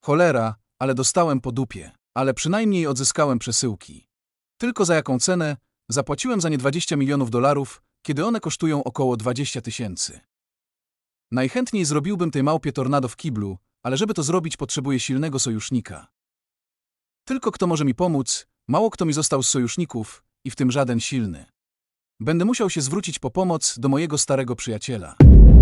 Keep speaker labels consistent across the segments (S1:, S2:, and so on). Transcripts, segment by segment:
S1: Cholera, ale dostałem po dupie. Ale przynajmniej odzyskałem przesyłki. Tylko za jaką cenę? Zapłaciłem za nie $20 milionów, kiedy one kosztują około 20 000. Najchętniej zrobiłbym tej małpie tornado w kiblu, ale żeby to zrobić, potrzebuję silnego sojusznika. Tylko kto może mi pomóc? Mało kto mi został z sojuszników, i w tym żaden silny. Będę musiał się zwrócić po pomoc do mojego starego przyjaciela.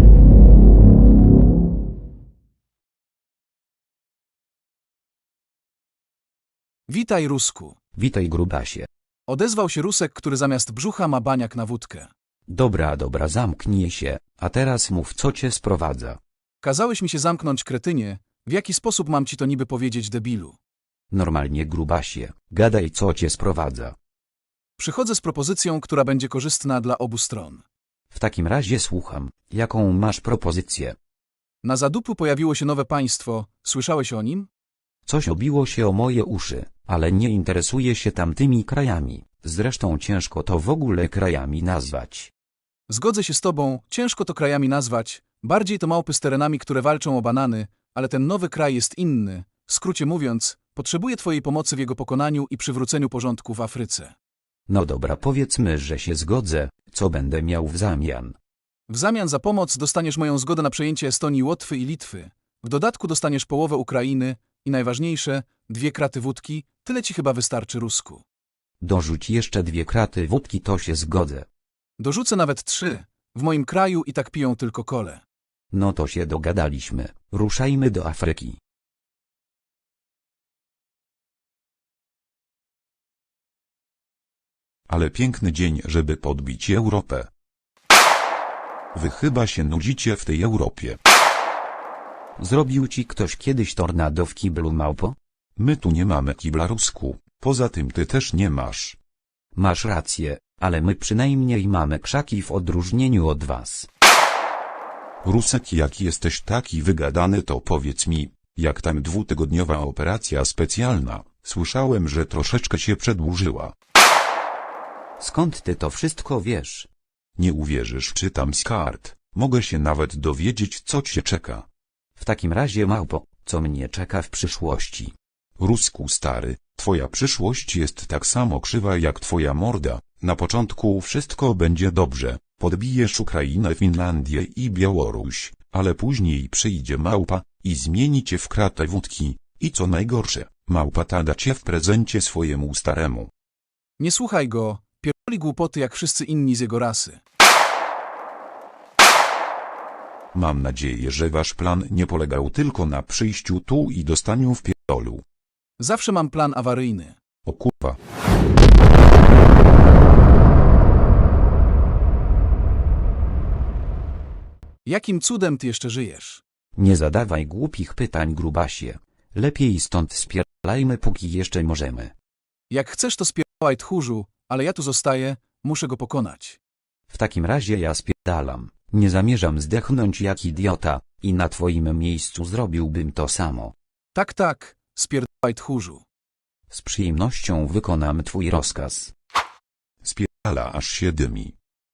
S1: Witaj, Rusku.
S2: Witaj, grubasie.
S1: Odezwał się Rusek, który zamiast brzucha ma baniak na wódkę.
S2: Dobra, zamknij się, a teraz mów, co cię sprowadza.
S1: Kazałeś mi się zamknąć, kretynie. W jaki sposób mam ci to niby powiedzieć, debilu?
S2: Normalnie, grubasie, gadaj, co cię sprowadza.
S1: Przychodzę z propozycją, która będzie korzystna dla obu stron.
S2: W takim razie słucham, jaką masz propozycję?
S1: Na zadupu pojawiło się nowe państwo. Słyszałeś o nim?
S2: Coś obiło się o moje uszy, ale nie interesuję się tamtymi krajami. Zresztą ciężko to w ogóle krajami nazwać.
S1: Zgodzę się z tobą, ciężko to krajami nazwać. Bardziej to małpy z terenami, które walczą o banany, ale ten nowy kraj jest inny. W skrócie mówiąc, potrzebuję twojej pomocy w jego pokonaniu i przywróceniu porządku w Afryce.
S2: No dobra, powiedzmy, że się zgodzę, co będę miał w zamian.
S1: W zamian za pomoc dostaniesz moją zgodę na przejęcie Estonii, Łotwy i Litwy. W dodatku dostaniesz połowę Ukrainy i najważniejsze, 2 kraty wódki, tyle ci chyba wystarczy, Rusku.
S2: Dorzuć jeszcze 2 kraty wódki, to się zgodzę.
S1: Dorzucę nawet 3. W moim kraju i tak piją tylko kole.
S2: No to się dogadaliśmy, ruszajmy do Afryki.
S3: Ale piękny dzień, żeby podbić Europę. Wy chyba się nudzicie w tej Europie.
S2: Zrobił ci ktoś kiedyś tornado w kiblu, małpo?
S3: My tu nie mamy kibla, Rusku, poza tym ty też nie masz.
S2: Masz rację, ale my przynajmniej mamy krzaki w odróżnieniu od was.
S3: Rusek, jak jesteś taki wygadany, to powiedz mi, jak tam 2-tygodniowa operacja specjalna? Słyszałem, że troszeczkę się przedłużyła.
S2: Skąd ty to wszystko wiesz?
S3: Nie uwierzysz, czytam z kart. Mogę się nawet dowiedzieć, co cię czeka.
S2: W takim razie, małpo, co mnie czeka w przyszłości?
S3: Rusku stary, twoja przyszłość jest tak samo krzywa jak twoja morda. Na początku wszystko będzie dobrze. Podbijesz Ukrainę, Finlandię i Białoruś, ale później przyjdzie małpa i zmieni cię w kratę wódki. I co najgorsze, małpa ta da cię w prezencie swojemu staremu.
S1: Nie słuchaj go, pierdoli głupoty jak wszyscy inni z jego rasy.
S3: Mam nadzieję, że wasz plan nie polegał tylko na przyjściu tu i dostaniu w pierdolu.
S1: Zawsze mam plan awaryjny.
S3: O kurwa.
S1: Jakim cudem ty jeszcze żyjesz?
S2: Nie zadawaj głupich pytań, grubasie. Lepiej stąd spierdalajmy, póki jeszcze możemy.
S1: Jak chcesz, to spierdalaj, tchórzu, ale ja tu zostaję, muszę go pokonać.
S2: W takim razie ja spierdalam. Nie zamierzam zdechnąć jak idiota i na twoim miejscu zrobiłbym to samo.
S1: Tak, spierdalaj, tchórzu.
S2: Z przyjemnością wykonam twój rozkaz.
S3: Spierdala, aż się dymi.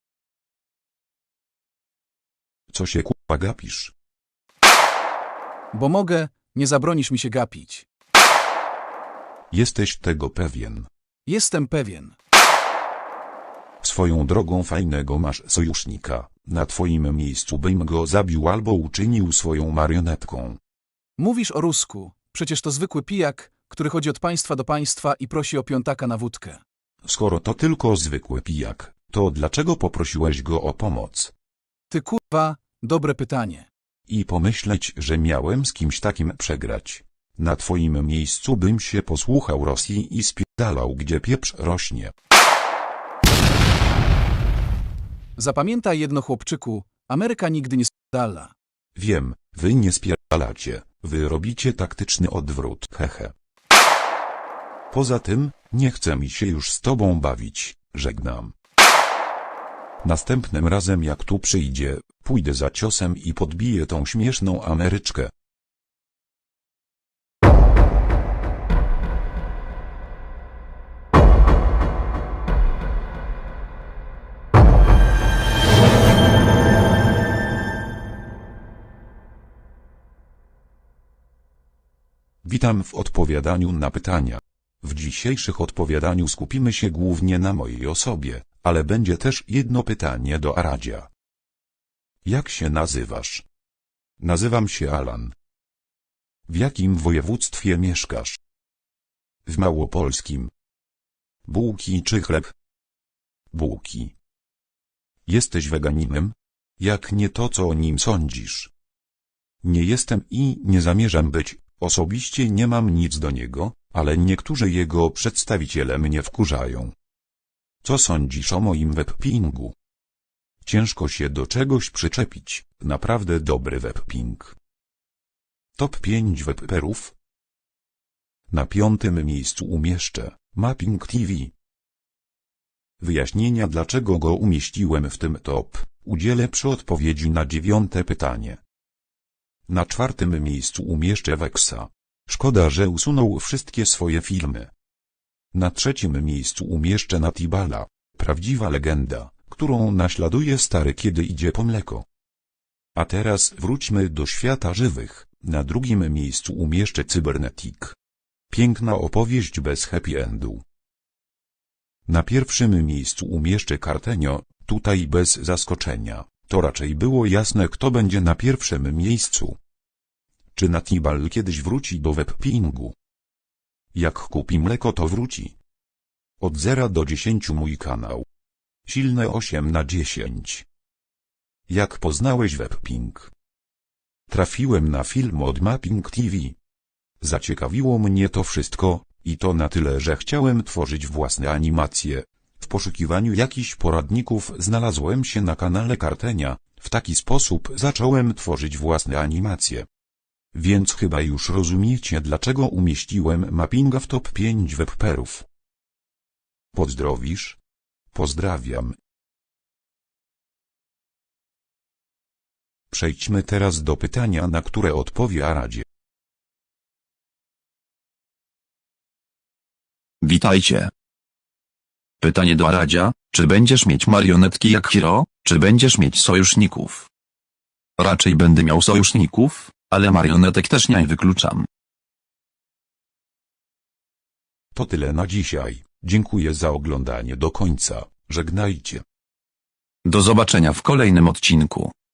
S3: Co się kurwa gapisz?
S1: Bo mogę, nie zabronisz mi się gapić.
S3: Jesteś tego pewien.
S1: Jestem pewien.
S3: Swoją drogą, fajnego masz sojusznika. Na twoim miejscu bym go zabił albo uczynił swoją marionetką.
S1: Mówisz o Rusku, przecież to zwykły pijak, który chodzi od państwa do państwa i prosi o piątaka na wódkę.
S3: Skoro to tylko zwykły pijak, to dlaczego poprosiłeś go o pomoc?
S1: Ty kurwa, dobre pytanie.
S3: I pomyśleć, że miałem z kimś takim przegrać. Na twoim miejscu bym się posłuchał Rosji i spierdalał, gdzie pieprz rośnie.
S1: Zapamiętaj jedno, chłopczyku, Ameryka nigdy nie spierdala.
S3: Wiem, wy nie spierdalacie, wy robicie taktyczny odwrót, hehe. Poza tym, nie chce mi się już z tobą bawić, żegnam. Następnym razem jak tu przyjdzie, pójdę za ciosem i podbiję tą śmieszną Ameryczkę. Witam w odpowiadaniu na pytania. W dzisiejszych odpowiadaniu skupimy się głównie na mojej osobie, ale będzie też jedno pytanie do Aradzia. Jak się nazywasz? Nazywam się Alan. W jakim województwie mieszkasz? W Małopolskim. Bułki czy chleb? Bułki. Jesteś weganinem? Jak nie, to co o nim sądzisz? Nie jestem i nie zamierzam być, osobiście nie mam nic do niego, ale niektórzy jego przedstawiciele mnie wkurzają. Co sądzisz o moim webpingu? Ciężko się do czegoś przyczepić, naprawdę dobry webping. Top 5 webperów. Na 5. miejscu umieszczę Mapping TV. Wyjaśnienia, dlaczego go umieściłem w tym top, udzielę przy odpowiedzi na 9. pytanie. Na 4. miejscu umieszczę Wexa. Szkoda, że usunął wszystkie swoje filmy. Na 3. miejscu umieszczę Natibala, prawdziwa legenda, którą naśladuje stary, kiedy idzie po mleko. A teraz wróćmy do świata żywych. Na 2. miejscu umieszczę Cybernetic. Piękna opowieść bez happy endu. Na 1. miejscu umieszczę Cartenio, tutaj bez zaskoczenia, to raczej było jasne, kto będzie na 1. miejscu. Czy Natibal kiedyś wróci do webpingu? Jak kupi mleko, to wróci. Od 0 do 10 mój kanał. Silne 8 na 10. Jak poznałeś webping? Trafiłem na film od Mapping TV. Zaciekawiło mnie to wszystko, i to na tyle, że chciałem tworzyć własne animacje. W poszukiwaniu jakichś poradników znalazłem się na kanale Cartenia, w taki sposób zacząłem tworzyć własne animacje. Więc chyba już rozumiecie, dlaczego umieściłem Mappinga w top 5 webperów. Pozdrowisz? Pozdrawiam. Przejdźmy teraz do pytania, na które odpowie Aradzie.
S4: Witajcie. Pytanie do Aradzia, czy będziesz mieć marionetki jak Hiro, czy będziesz mieć sojuszników? Raczej będę miał sojuszników, ale marionetek też nie wykluczam.
S3: To tyle na dzisiaj. Dziękuję za oglądanie do końca. Żegnajcie.
S4: Do zobaczenia w kolejnym odcinku.